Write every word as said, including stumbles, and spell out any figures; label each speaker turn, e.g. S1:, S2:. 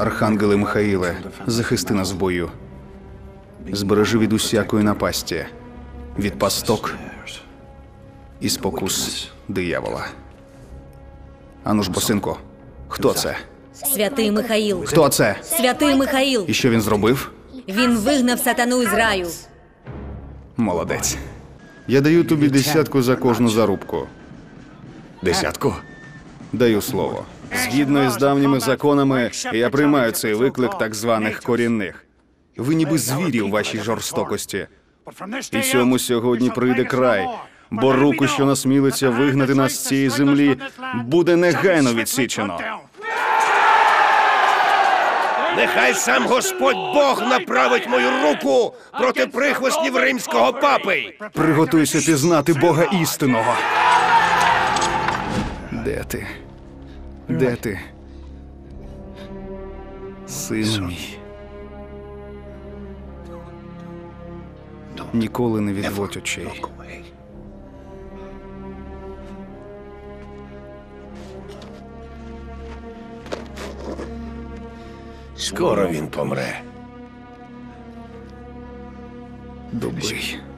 S1: Архангеле Михаїле, захисти нас в бою. Збережи від усякої напасті, від пасток і спокус диявола. Ану ж, босинко, хто це?
S2: Святий Михаїл.
S1: Хто це?
S2: Святий Михаїл.
S1: І що він зробив?
S2: Він вигнав сатану із раю.
S1: Молодець. Я даю тобі десятку за кожну зарубку.
S3: Десятку?
S1: Даю слово. Згідно із давніми законами, я приймаю цей виклик так званих корінних. Ви ніби звірі у вашій жорстокості. І цьому сьогодні прийде край, бо руку, що насмілиться вигнати нас з цієї землі, буде негайно відсічено.
S3: Нехай сам Господь Бог направить мою руку проти прихвостнів римського папи.
S1: Приготуйся пізнати Бога істинного. Де ти? Де ти? Сину мій. Ніколи не відводь очей.
S3: Скоро він помре.
S1: Добий.